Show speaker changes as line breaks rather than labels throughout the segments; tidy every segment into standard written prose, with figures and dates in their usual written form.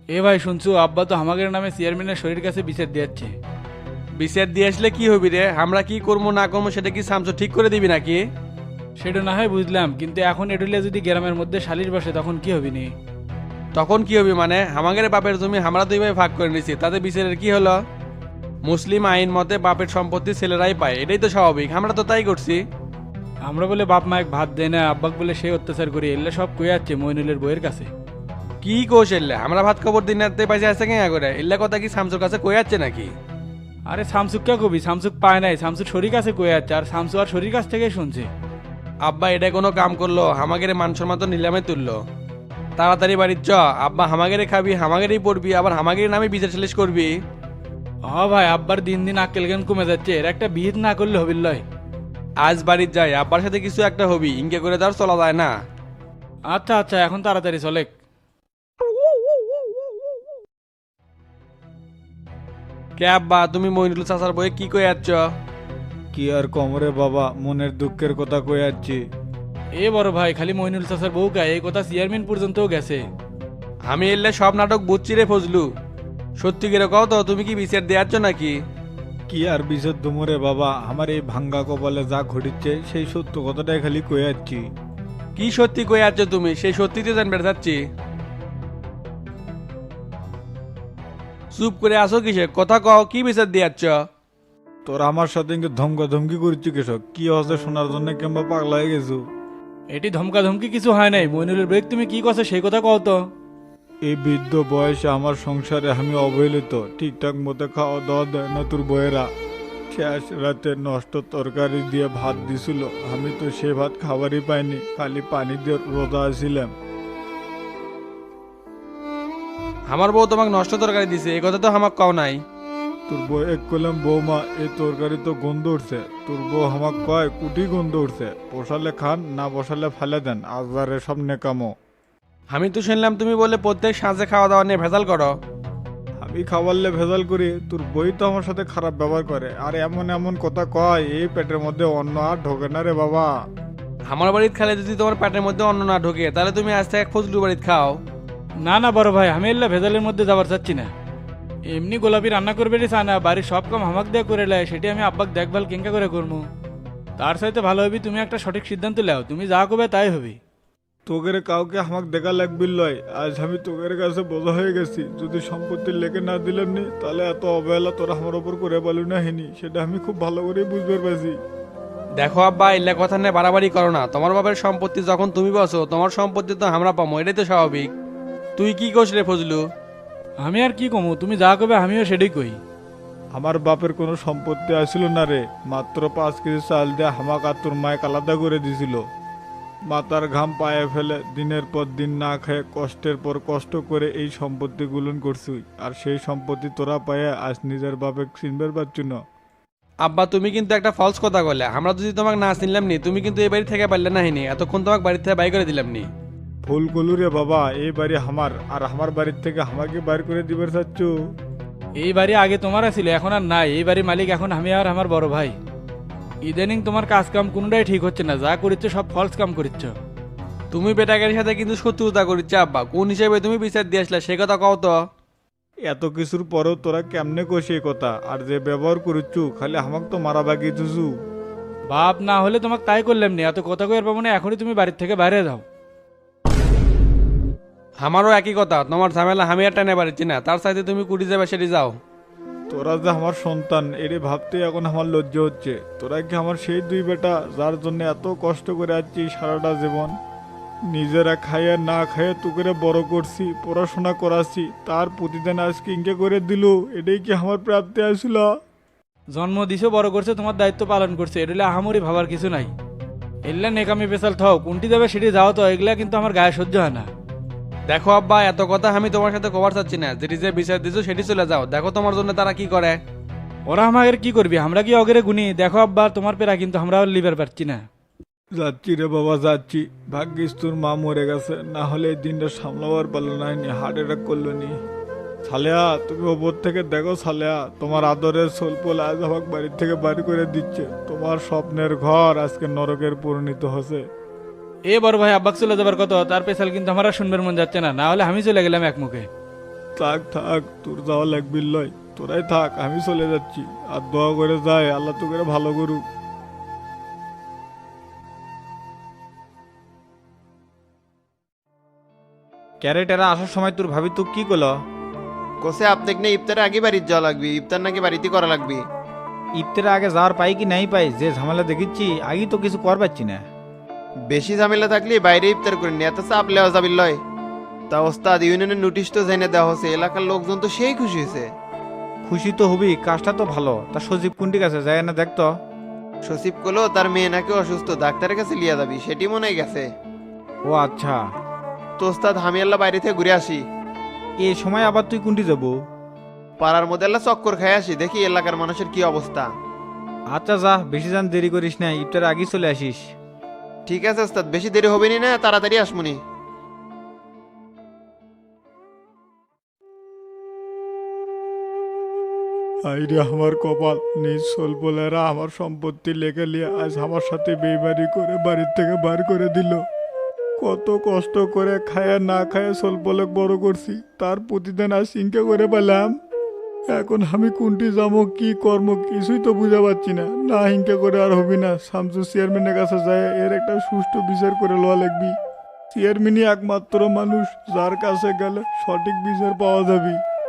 এ ভাই শুনছো, আব্বা তো আমাদের নামে চেয়ারম্যানের শরীর কাছে বিচার দিচ্ছে।
বিচার দিয়ে আসলে কি হবি রে? আমরা কি করবো না করবো সেটা কি শামসু ঠিক করে দিবি নাকি?
সেটা না হয় বুঝলাম, কিন্তু এখন এডুলে যদি গ্রামের মধ্যে সালিশ বসে তখন কি হবি নি?
তখন কি হবি মানে? আমাদের বাপের জমি আমরা দুই ভাই ভাগ করে নিছি, তাতে বিচারের কি হলো? মুসলিম আইন মতে বাপের সম্পত্তি ছেলেরাই পায়, এটাই তো স্বাভাবিক, আমরা তো তাই করছি।
আমরা বলে বাপ মায়ের ভাত দেয় না, আব্বাক বলে সেই অত্যাচার করি, এলে সব কয়ে যাচ্ছে মইনুলের বইয়ের কাছে।
কি কোষ এলে আমরা ভাত খবর দিন রাতে পাইছে আছে কেন করে? এল্লা কথা কি শামসুর কাছে কই যাচ্ছে নাকি?
আরে শামসুক কে কবি, শামসুক পায় নাই, শামসুর শরীর কাছে কয়ে যাচ্ছে, আর শামসু আর শরীর কাছ থেকেই শুনছে।
আব্বা এটা কোনো কাম করলো? হামাগের মান সম্মান তো নিলামে তুললো। তাড়াতাড়ি বাড়ির চ। আব্বা হামাগেরে খাবি, হামাগেরেই পড়বি, আবার হামাগের নামে বিচার সালিশ করবি।
ভাই, আব্বার দিন দিন আক্কেল জ্ঞান কমে যাচ্ছে, এর একটা বিহিত না করলে হবির লয়।
আজ বাড়ির যাই, আব্বার সাথে কিছু একটা হবি, ইনকে করে তার চলা যায় না।
আচ্ছা আচ্ছা, এখন তাড়াতাড়ি চলে।
কে আব্বা, তুমি মইনুল চাচার বইয়ে কি কই যাচ্ছ?
কি আর কমরে বাবা, মনের দুঃখের কথা কয়ে যাচ্ছি।
এ বড় ভাই, খালি মইনুল চাচার বউকা এই কথা চেয়ারম্যান পর্যন্তও গেছে।
আমি এলে সব নাটক বুঝছি রে ফজলু। সত্যি করে কও তো, তুমি কি বিচার দেওয়াচ্ছ নাকি?
কি আর বিষয় দুমরে বাবা, আমার এই ভাঙ্গা কপালে যা ঘটিচ্ছে সেই সত্য কথাটাই খালি কয়ে যাচ্ছি।
কি সত্যি কই যাচ্ছ তুমি? সেই সত্যিতে জানবে চাচ্ছি। চুপ করে আসো কিসে? কথা কও, কি বিচার দিয়াচ্ছ?
তোর আমার সাথে ইঙ্গে ধমকা ধমকি করছি কেসব, কি হচ্ছে শোনার জন্য কিংবা পাগলা হয়ে গেছো?
এটি ধমকা ধমকি কিছু হয় নাই, মইনুলের বেগ তুমি কি কথা সেই কথা কও তো।
এই বৃদ্ধ বয়সে আমার সংসারে আমি অবহেলিত, ঠিকঠাক মতো খাওয়া দাওয়া দেয় না তোর বইয়েরা। শেষ রাতে নষ্ট তরকারি দিয়ে ভাত দিছিল, আমি তো সে ভাত খাবারই পাইনি, খালি পানি দিয়ে রোজা ছিলাম।
আমার বউ তোমাকে নষ্ট তরকারি দিছে, এই কথা তো আমাকে কও নাই।
তোর বউ এক কলাম বৌমা, এই তরকারি তো গন্ধ উঠছে। তোর বউ আমাক কয় কুটি গন্ধ উঠছে, পোষালে খান, না বসালে ফেলে দেন, আজবারে সব নেকামো।
আমি তো শুনলাম তুমি বলে প্রত্যেক সাঁজে খাওয়া দাওয়া নিয়ে ভেজাল করো।
আমি খাবারলে ভেজাল করি, তোর বই তো আমার সাথে খারাপ ব্যবহার করে, আর এমন এমন কথা কয় এই পেটের মধ্যে অন্ন আর ঢোকে না রে বাবা।
আমার বাড়িতে খেলে যদি তোমার পেটের মধ্যে অন্ন না ঢোকে, তাহলে তুমি আজ থেকে ফজলু বাড়িতে খাও।
না না বড় ভাই, আমি এল্লা ভেজালের মধ্যে যাবার চাচ্ছি না। এমনি গোলাপি রান্না করবে রে চায় না, বাড়ির সব কাম হামাক দিয়ে করে লেয়, সেটি আমি আব্বাক দেখভাল কেঙ্কা করে করবো। তার সাথে ভালো হবি তুমি একটা সঠিক সিদ্ধান্ত লেও, তুমি যা করবে তাই হবি।
তোকের কাউকে আমাকে দেখা লাগবে লয়, আজ আমি তোকের কাছে বোঝা হয়ে গেছি, যদি সম্পত্তির লেখে না দিলাম নি তাহলে এত অবহেলা তোরা আমার ওপর করে পালু না হেনি, সেটা আমি খুব ভালো করে বুঝতে পারছি।
দেখো আব্বা, এলে কথা নিয়ে বাড়াবাড়ি করো না। তোমার বাবার সম্পত্তি যখন তুমি বসো, তোমার সম্পত্তি তো আমরা পাবো, এটাই তো স্বাভাবিক। তুই কি কোস রে ফজলু?
আমি আর কি কমু, তুমি যা করবে আমিও সেটাই কই।
আমার বাপের কোনো সম্পত্তি আসিল না রে, মাত্র 5 কেজি চাল দিয়ে হামাক আর তোর মায়ের আলাদা করে দিছিল। মাথার ঘাম পায়ে ফেলে দিনের পর দিন না খেয়ে কষ্টের পর কষ্ট করে এই সম্পত্তি গুলন করছি, আর সেই সম্পত্তি তোরা পায়ে আজ নিজের বাপে চিনবার পারছু না।
আব্বা, তুমি কিন্তু একটা ফলস কথা বললে। আমরা যদি তোমাকে না চিনলাম নি, তুমি কিন্তু এই বাড়ি থেকে পারলে না হিনি, এতক্ষণ তোমাকে বাড়ি থেকে বাই করে দিলাম নি।
ভুল কলু রে বাবা, এই বাড়ি আমার, আর আমার বাড়ির থেকে আমাকে বাইর করে দিবার চাচ্ছু।
এই বাড়ি আগে তোমার ছিল, এখন আর নাই। এই বাড়ির মালিক এখন আমি আর আমার বড় ভাই। ইদানিং তোমার কাজ কাম কোনটাই ঠিক হচ্ছে না, যা করিচ্ছ সব ফলস কাম করিচ্ছ।
তুমি বেটাকের সাথে কিন্তু শত্রুতা করিচ্ছে আব্বা। কোন হিসেবে তুমি বিচার দিয়ে আসলে সে কথা কও তো।
এত কিছুর পরেও তোরা কেমনে কষি এই কথা, আর যে ব্যবহার করছু খালি আমাক তো মারা বাগিয়েছু।
বাপ না হলে তোমাকে তাই করলাম নি, এত কথা কই আর পাবো না, এখনই তুমি বাড়ির থেকে বাইরে যাও।
আমারও একই কথা, তোমার ঝামেলা আমি আর টেনে পারছি না, তার সাথে তুমি কুটি যাবে সেটি যাও।
তোরা যে আমার সন্তান এরে ভাবতে এখন আমার লজ্জা হচ্ছে। তোরা কি আমার সেই দুই বেটা যার জন্য এত কষ্ট করে আছি সারাটা জীবন, নিজেরা খাইয়ে না খাইয়ে তুকেরে বড় করছি, পড়াশোনা করাছি, তার প্রতিদিন আজকে ইনকে করে দিল, এটাই কি আমার প্রাপ্তি আসছিল?
জন্ম দিছো, বড় করছে, তোমার দায়িত্ব পালন করছে, এটা আহামরি ভাবার কিছু নাই। এগুলা নেকামি পেশাল থাও, কোনটি যাবে সেটি যাও তো, এগুলা কিন্তু আমার গায়ে সহ্য হয় না।
দেখো আব্বা, এত কথা আমি তোমার সাথে কবার চাচ্ছি না। যেটি যে বিচার দিছো সেটি চলে যাও। দেখো তোমার জন্য তারা কি করে।
ওরা আমাদের কি করবি, আমরা কি অগেরে গুনি? দেখো আব্বা, তোমার পেরা কিন্তু আমরা লিভার পাচ্ছি না।
যাচ্ছি রে বাবা যাচ্ছি, ভাগ্যিস তোর মা মরে গেছে, না হলে এই দিনটা সামলাবার পারলো না, হার্ট অ্যাটাক করলো নি। সালেয়া তুমি ওপর থেকে দেখো সালেয়া, তোমার আদরের সোলপোল আজ আমাকে বাড়ির থেকে বাড়ি করে দিচ্ছে, তোমার স্বপ্নের ঘর আজকে নরকের পরিণত হচ্ছে।
এ বড় ভাই, আব্বাক চলে যাবার কত, তার পেশাল কিন্তু আমার আর শুনবার মন যাচ্ছে না, না হলে আমি চলে গেলাম এক মুখে।
থাক থাক, তোর যাওয়া লাগবি লয়, তোরাই থাক, আমি চলে যাচ্ছি। আর দোয়া করে যায় আল্লাহ তো করে ভালো করুক।
ক্যারেটেরা আসার সময় তোর ভাবি তো কি করলো?
কোসে আপনাকে না ইফতারে আগে বাড়িতে যাওয়া লাগবে, ইফতার নাকি বাড়িতে করা লাগবে।
ইফতারে আগে যাওয়ার পাই কি নাই পাই, যে ঝামেলা দেখিচ্ছি আগেই তো কিছু কর পাচ্ছি না।
বেশি ঝামেলা থাকলে বাইরে ইফতার করে নিয়ে এত চাপ লেওয়া যাবে লয়। তা ওস্তাদ, ইউনিয়নের নোটিশ তো জেনে দেওয়া হয়েছে, এলাকার লোকজন তো সেই খুশি হয়েছে।
খুশি তো হবি, কাজটা তো ভালো। তা সজীব কোনটি কাছে যায় না দেখতো?
সচিব কলো তার মেয়ে নাকি অসুস্থ, ডাক্তারের কাছে লিয়া যাবি, সেটি মনে হয় গেছে।
ও আচ্ছা,
তো ওস্তাদ আমি আল্লাহ বাইরে থেকে ঘুরে আসি।
এই সময় আবার তুই কোনটি যাবো?
পাড়ার মধ্যে আল্লাহ চক্কর খাই আসি, দেখি এলাকার মানুষের কি অবস্থা।
আচ্ছা যা, বেশি যান দেরি করিস না, ইফতারে আগেই চলে আসিস।
ঠিক আছে ওস্তাদ, বেশি দেরি হবে নি না, তাড়াতাড়ি আসমুনি।
আইরে আমার কপাল, নিজ সোলপোলেরা আমার সম্পত্তি লেগে নিয়ে আজ আমার সাথে বেইমানি করে বাড়ির থেকে বার করে দিল। কত কষ্ট করে খায়া না খায়া সোলপোলক বড় করছি, তার প্রতিদিন আজ সিংকে করে পেলাম। এখন আমি কোনটি যাবো, কি কর্ম, কিছুই তো বুঝা পাচ্ছি না। না হিংকে করে আর হবি না, শামসু চেয়ারম্যানের কাছে যায় এর একটা সুষ্ঠু বিচার করে লওয়া লাগবি। চেয়ারম্যানই একমাত্র মানুষ যার কাছে গেলে সঠিক বিচার পাওয়া যাবে।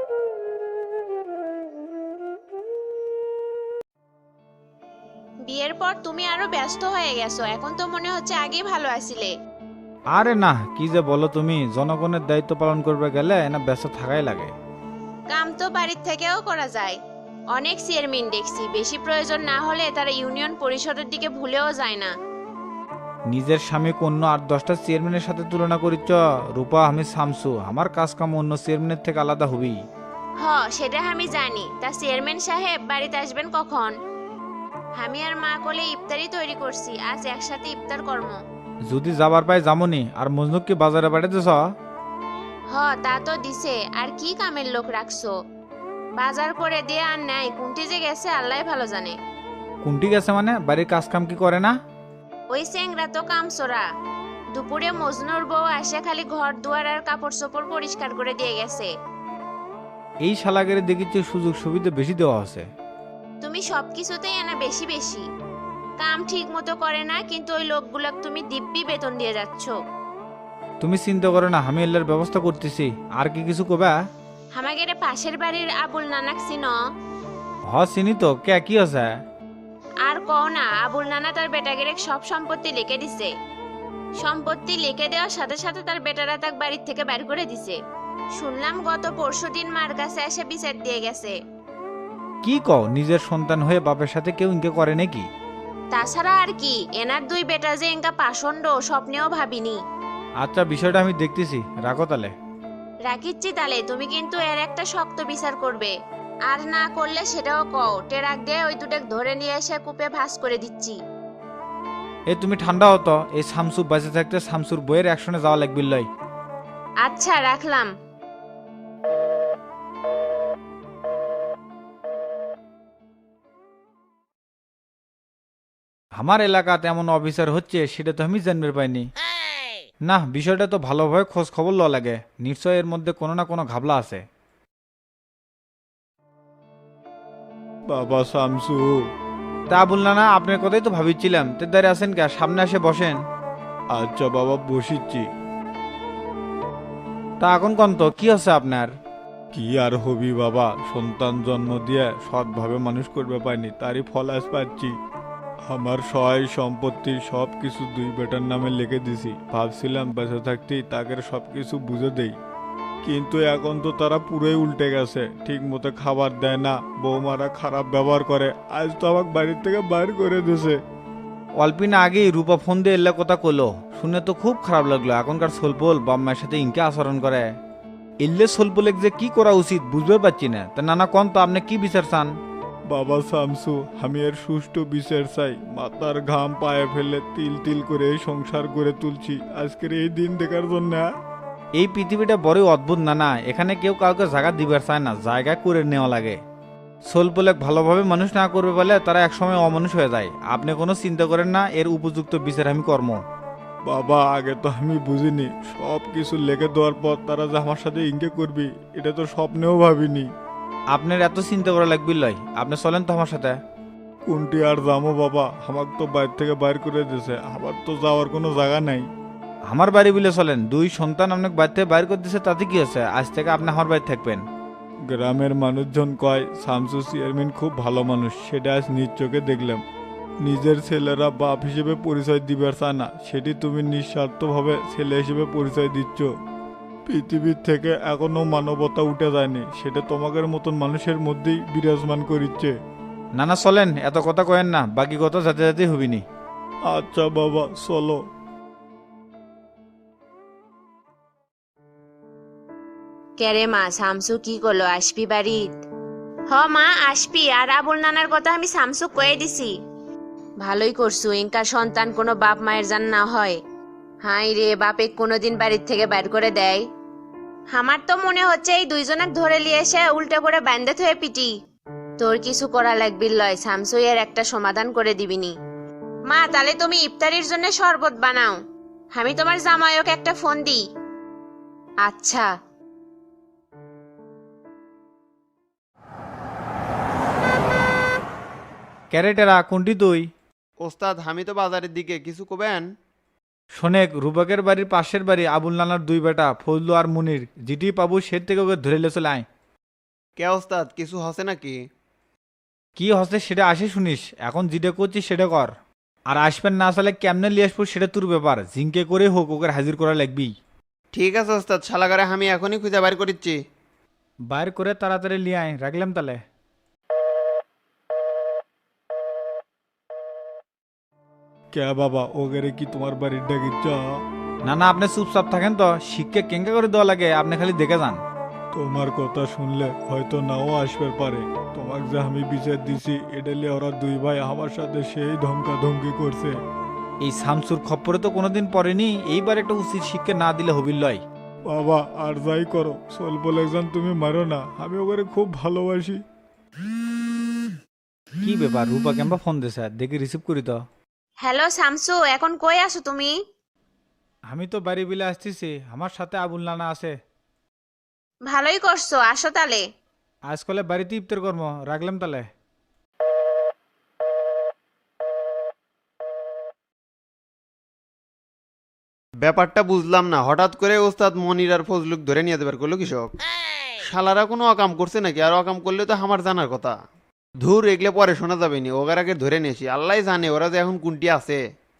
বিয়ের পর তুমি আরো ব্যস্ত হয়ে গেছো, এখন তো মনে হচ্ছে আগেই ভালো আছিলে।
আরে না, কি যে বলো তুমি, জনগণের দায়িত্ব পালন করবে গেলে না ব্যস্ত থাকাই লাগে।
কাম তো বাড়ির থেকেও করা যায়। অনেক চেয়ারম্যান দেখছি, বেশি প্রয়োজন না হলে তারা ইউনিয়ন পরিষদের দিকে ভুলেও যায় না।
নিজের স্বামী অন্য 8-10টা চেয়ারম্যানের সাথে তুলনা করিচ্ছ? রূপা, আমি শামসু, আমার কাজ কাম অন্য চেয়ারম্যানের থেকে আলাদা হবি।
হ, সেটা আমি জানি। তা চেয়ারম্যান সাহেব বাড়িতে আসবেন কখন? আমি আর মা কোলে ইফতারি তৈরি করছি, আজ একসাথে ইফতার কর্ম।
যদি যাবার পাই যামনি। আর মজনুক কি বাজারে পাঠাতেছ?
হ, তা তো দিছে, আর কি কামের লোক রাখছো? বাজার করে দিয়ে আর নাই, কোনটি যে গেছে আল্লাহ ভালো জানে।
কোনটি গেছে মানে? বাড়ির কাজ কাম কি করে না?
ওই চেংরা তো কামচোরা। দুপুরে মজনুর বউ আসে খালি ঘর দুয়ার আর কাপড় চোপড় পরিষ্কার করে দিয়ে গেছে।
এই শালাগেরে দেখিচ্ছি সুযোগ সুবিধা বেশি দেওয়া আছে।
তুমি সবকিছুতেই আনা বেশি বেশি। কাম ঠিক মতো করে না, কিন্তু ওই লোকগুলাক তুমি দিব্যি বেতন দিয়ে যাচ্ছ।
তুমি চিন্তা করো না, আমি এল্লার ব্যবস্থা করতেছি। আর কি কিছু কবা?
আমাদের পাশের বাড়ির আবুল নানাক চিনো?
হ, চিনি তো। কে, কি আছে?
আর কও না, আবুল নানা তার বেটাগেরে সব সম্পত্তি লিখে দিছে। সম্পত্তি লিখে দেওয়ার সাথে সাথে তার বেটারা তাক বাড়ির থেকে বের করে দিছে। শুনলাম গত পরশুদিন মার কাছে এসে বিচার দিয়ে গেছে।
কি কও? নিজের সন্তান হয়ে বাপের সাথে কেউ ইনকে করে নাকি?
তাছাড়া আর কি, এনার দুই বেটা যে এঙ্কা পাষণ্ড স্বপ্নেও ভাবিনি।
আচ্ছা, বিষয়টা আমি দেখতেছি, রাখো তাহলে।
রাখিচ্ছি তালে, তুমি কিন্তু এর একটা শক্ত বিচার করবে। আর না করলে সেটাও কও, টেরাক দিয়ে ওই দুটেক ধরে নিয়ে এসে কূপে ভাঁজ করে দিচ্ছি।
এ তুমি ঠান্ডা হতো। এই শামসু বাঁচে থাকতে শামসুর বইয়ের অ্যাকশনে যাওয়া লাগবে লয়।
আচ্ছা, রাখলাম।
আমার এলাকাতে এমন অফিসার হচ্ছে সেটা তো আমি জানতে পাইনি। না, বিষয়টা তো ভালোভাবে খোঁজ খবর লওয়া লাগে। নিশ্চয় এর মধ্যে কোনো না কোনো ঘাবলা আছে।
বাবা শামসু,
তা বললা না, আপনার কথাই তো ভাবিছিলাম। তে দাঁড়িয়ে আছেন কে? সামনে আসে বসেন।
আচ্ছা বাবা, বসিচ্ছি।
তা এখন কোন তো কি হচ্ছে আপনার?
কি আর হবি বাবা, সন্তান জন্ম দিয়ে সৎভাবে মানুষ করবে পাইনি, তারই ফল আজ পাচ্ছি। আমার সহায় সম্পত্তি সব কিছু দুই বেটার নামে লিখে দিছি। ভাবছিলাম বেঁচে থাকতেই তাকে সব কিছু বুঝে দেই, কিন্তু এখন তো তারা পুরোই উল্টে গেছে। ঠিক মতো খাবার দেয় না, বৌমারা খারাপ ব্যবহার করে। আজ তো আমাকে বাড়ির থেকে বাইর করে দিয়েছে।
অল্পিন আগেই রূপা ফোন দিয়ে এলে কথা কলো, শুনে তো খুব খারাপ লাগলো। এখনকার সোলপোল বাম্মার সাথে ইনকে আচরণ করে। এলে সোলপোলেক যে কি করা উচিত বুঝতে পারছি না। তা নানা কোন তো, আপনি কি বিচার চান?
বাবা শামসু, আমি এর সুষ্ঠু বিচার চাই। মাথার ঘাম পায়ে ফেলে তিল তিল করে এই সংসার গড়ে তুলছি আজকের এই দিন দেখার জন্য।
এই পৃথিবীটা বড়ই অদ্ভুত নানা। এখানে কেউ কাউকে জায়গা দিবার চায় না, জায়গা করে নেওয়া লাগে। সোলপোলেক ভালোভাবে মানুষ না করবে বলে তারা একসময় অমানুষ হয়ে যায়। আপনি কোনো চিন্তা করেন না, এর উপযুক্ত বিচার আমি কর্ম।
বাবা আগে তো আমি বুঝিনি, সব কিছু লেগে দেওয়ার পর তারা যে আমার সাথে ইনকে করবি এটা তো স্বপ্নেও ভাবিনি।
আপনার এত চিন্তা করা লাগবে লয়, আপনি চলেন তো আমার সাথে।
কোনটি আর যাবো বাবা, আমাকে তো বাইরে থেকে বাইর করে দিয়েছে, আমার তো যাওয়ার কোনো জায়গা নাই।
আমার বাড়ি বলে চলেন, দুই সন্তান আপনাকে বাড়ি থেকে বাইর করে দিচ্ছে, তাতে কি আছে? আজ থেকে আপনি আমার বাড়ি থাকবেন।
গ্রামের মানুষজন কয় শামসু চেয়ারম্যান খুব ভালো মানুষ, সেটা আজ নিজ চোখে দেখলাম। নিজের ছেলেরা বাপ হিসেবে পরিচয় দিবার চায় না, সেটি তুমি নিঃস্বার্থভাবে ছেলে হিসেবে পরিচয় দিচ্ছ। পৃথিবীর থেকে এখনো মানবতা উঠে যায়নি, সেটা তোমাদের মতন মানুষের মধ্যেই বিরাজমান করিচ্ছে।
না না চলেন, এত কথা কয়েন না, বাকি কথা যাতে যাতে হবিনি।
আচ্ছা বাবা চলো।
কেরে মা, শামসু কি করলো, আসবি বাড়িত? হ মা আসবি, আর আবুল নানার কথা আমি শামসু কয়ে দিছি। ভালোই করছু, ইনকার সন্তান কোনো বাপ মায়ের জান না হয়। হাই রে, বাপে কোনোদিন বাড়ির থেকে বাইর করে দেয়? আমার তো মনে হচ্ছে এই দুইজনক ধরে নিয়ে এসে উল্টে করে বান্ধে থয়ে পিটি। তোর কিছু করা লাগবি লয়, শামসু এর একটা সমাধান করে দিবিনি। মা তাহলে তুমি ইফতারির জন্য শরবত বানাও, আমি তোমার জামাইক একটা ফোন দিই। আচ্ছা।
ক্যারেটেরা কোনটি তুই?
ওস্তাদ আমি তো বাজারের দিকে, কিছু কবেন?
শোনেক, রূপকের বাড়ির পাশের বাড়ি আবুল নানার দুই বেটা ফজলু আর মুনির, যেটি পাবো সে থেকে ওকে ধরে লেচে আয়।
কে ওস্তাদ, কিছু হসে নাকি?
কি হচ্ছে সেটা আসে শুনিস, এখন যেটা করছিস সেটা কর। আর আসবেন না আসলে কেমনে লিয়ে আসবো সেটা তোর ব্যাপার, জিঙ্কে করে হোক ওকে হাজির করা লাগবি।
ঠিক আছে ওস্তাদ, শালাগারে আমি এখনই খুঁজে বাইর করিচ্ছি।
বাইর করে তাড়াতাড়ি লিয়ে আয়, রাখলাম তাহলে।
কে বাবা, ওগেরে কি তোমার বাড়ির ডাকিচ্ছ?
না না, আপনি চুপচাপ থাকেন তো, শিখকে কেঙ্কা করে দেওয়া লাগে, আপনি খালি দেখে যান।
তোমার কথা শুনলে হয়তো নাও আসবে পারে। তোমাকে যে আমি বিচার দিছি এটা নিয়ে ওরা দুই ভাই আমার সাথে সেই ধমকা ধমকি করছে।
এই শামসুর খপ্পরে তো কোনোদিন পড়েনি, এইবার একটা উচিত শিক্ষা না দিলে হবির লয়।
বাবা আর যাই করো, স্বল্প একজন তুমি মারো না, আমি ওকে খুব ভালোবাসি।
কি ব্যাপার, রূপা কেমবা ফোন দিছে, দেখি রিসিভ করি তো।
হ্যালো শামসু, এখন কই আছো তুমি?
আমি তো বাড়ি বিলে আসতেছি, আমার সাথে আবুল নানা আছে।
ভালোই করছো, আসো তালে।
আজকালে বাড়িতে ইফতার কর্ম, রাখলাম তাহলে।
ব্যাপারটা বুঝলাম না, হঠাৎ করে ওস্তাদ মনির আর ফজলুক ধরে নিয়ে দেবার করলো কৃষক। শালারা কোনো অকাম করছে নাকি? আর অকাম করলে তো আমার জানার কথা। ধুর, এগলে পরে শোনা যাবে নি, ওগার আগে ধরে নিয়েছি, আল্লাহ জানে ওরা যে এখন কোনটি আছে।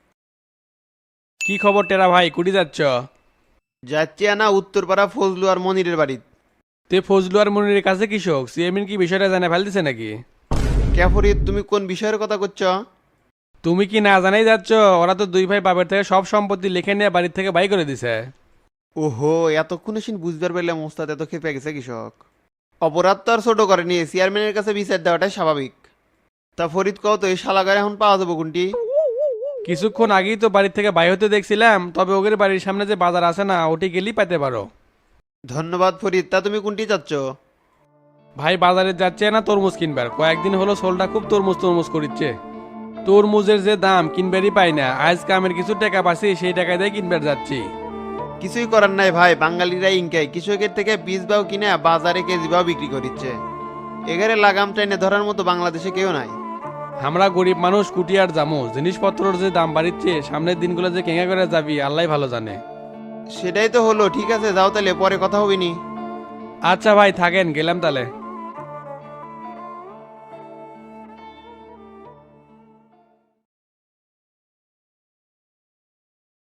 কি খবর টেরা ভাই, কুটি যাচ্ছ?
যাচ্ছি না উত্তরপাড়া ফজলু আর মনিরের বাড়ি।
তে ফজলু আর মনিরের কাছে কৃষক চেয়ারম্যান কি বিষয়টা জানে ফেলতেছে নাকি?
কে ফরিদ, তুমি কোন বিষয়ের কথা করছো?
তুমি কি না জানাই যাচ্ছ? ওরা তো দুই ভাই বাপের থেকে সব সম্পত্তি লিখে নিয়ে বাড়ির থেকে বাই করে দিছে।
ওহো, এতক্ষণে সিন বুঝবার পারলাম ওস্তাদ এত খেপে গেছে কৃষক। অপরাধ তো আর ছোট করেনি, চেয়ারম্যানের কাছে বিচার দেওয়াটাই স্বাভাবিক। তা ফরিদ কও তো, এই শালাগারে এখন পাওয়া যাবো কোনটি?
কিছুক্ষণ আগেই তো বাড়ির থেকে বাই হতে দেখছিলাম, তবে ওদের বাড়ির সামনে যে বাজার আছে না, ওটি গেলেই পেতে পারো।
ধন্যবাদ ফরিদ, তা তুমি কোনটি চাচ্ছ?
ভাই বাজারে যাচ্ছে না তরমুজ কিনবার, কয়েকদিন হলো সোলটা খুব তরমুজ তরমুজ করিচ্ছে। তরমুজের যে দাম কিনবারই পাই না, আজ কামের কিছু টাকা পাচ্ছি, সেই টাকা দিয়ে কিনবার যাচ্ছি।
কিছুই করার নাই ভাই, বাঙালিরা ইনকাই কৃষকের থেকে বীজ বাও কিনে বাজারে কেজি বাও বিক্রি করিচ্ছে। এগারে লাগাম টাইনে ধরার মতো বাংলাদেশে কেউ নাই।
আমরা গরিব মানুষ কুটি আর জামু, জিনিসপত্রের যে দাম বাড়িচ্ছে, সামনের দিনগুলো যে কেঙ্গা করে যাবি আল্লাহ ভালো জানে।
সেটাই তো হলো, ঠিক আছে যাও তাহলে, পরে কথা হবিনি।
আচ্ছা ভাই থাকেন, গেলাম তাহলে।